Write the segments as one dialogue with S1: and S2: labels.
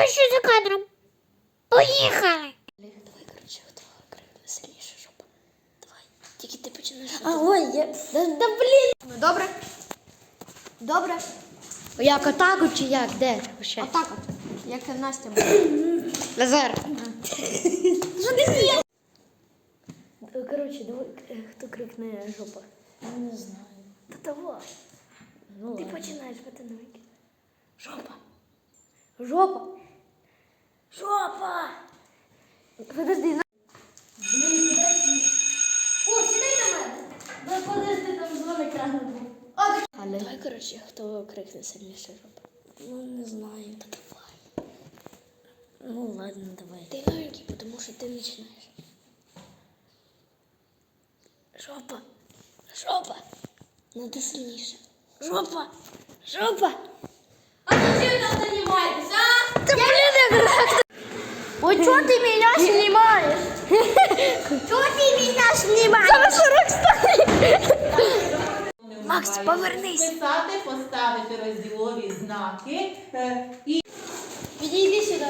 S1: що за кадром. Поїхали.
S2: Давай, коротше, хто крикне сильніше жопа. Давай, тільки ти починаєш.
S1: Да блін.
S2: Ну, добре? Добре?
S1: Як отак чи як? Де? Ще?
S2: Отак от. Як Настя буде.
S1: Назар.
S2: Що ти з'їв? Коротше, давай, хто крикне жопа.
S1: Я не знаю.
S2: Та того.
S1: Ну,
S2: Ти
S1: ладно.
S2: починаєш потинути. Жопа. Жопа. Жопа. Подожди. Блін, подожди. О, сідай на мене. Ну, подожди, там дзвоник рано був. Давай, коротше, хто крикне сильніше жопа.
S1: Ну, не знаю.
S2: Та давай.
S1: Ну, ладно, давай.
S2: Ти новенький, тому що ти починаєш. Жопа. Жопа. Надо сильніше. Жопа. Жопа. А ти чим там займаєтесь, а?
S1: Та блін, як...
S2: Ой, чого ти мене знімаєш?
S1: Чого ти мене знімаєш?
S2: Зараз 40 стане. Макс, повернись.
S3: Писати, поставити розділові знаки і
S2: Підійди сюди.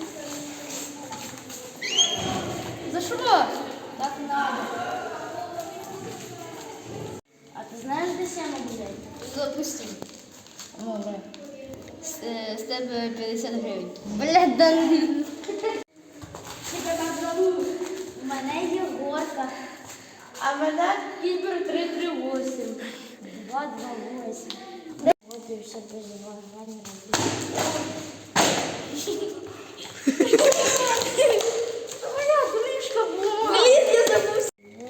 S2: За що? Так надо. А ти знаєш, де Сяма буде? Запусти.
S1: Ну, да.
S2: З тебе 50 гривень.
S1: Блядь, да...
S2: У мене є горка. А мене Кібер 338.
S1: 228. Вот и все без внимания.
S2: Моя кришка була. Блін, я забув.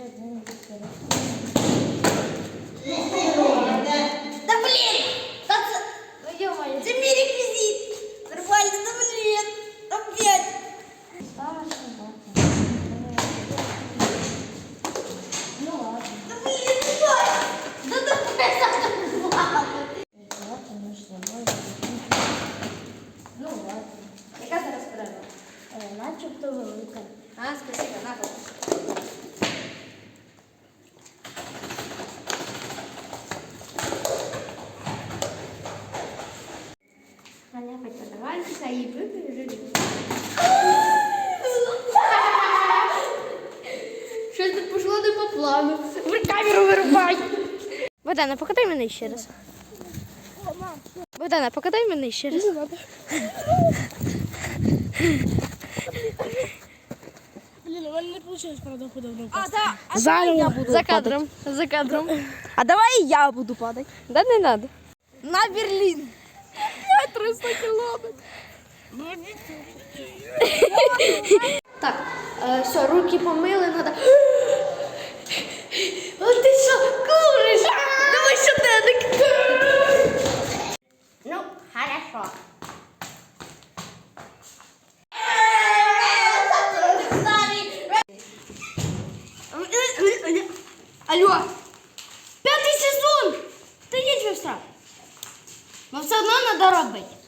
S1: Да блин! Да це...
S2: Ну, ё-моё.
S1: Це мій реквізит! Нормально, да блин! Опять!
S2: Ну ладно.
S1: Да блин, стой! Да давай ладно!
S2: Ну ладно. Яка зараз перерва?
S1: Начебто велика.
S2: А, спасибо, на пол.
S1: Аня, давайте і вибіжи.
S2: Щось не пішло не по плану. Камеру вирубай. Богдана, покатай мене ще раз. Богдана, покатай мене ще раз.
S1: Блін, у мене не вийшло, правда, худобно.
S2: Зараз я буду за кадром. За кадром.
S1: А давай я буду падати.
S2: Да не надо.
S1: На Берлін.
S2: 300 кілометрів. Так, все, руки помили, надо. А ти що, куриш? Давай щоденник.
S1: Ну, хорошо.
S2: Алло, 5-й сезон! Та є що страх. Но все одно треба робити.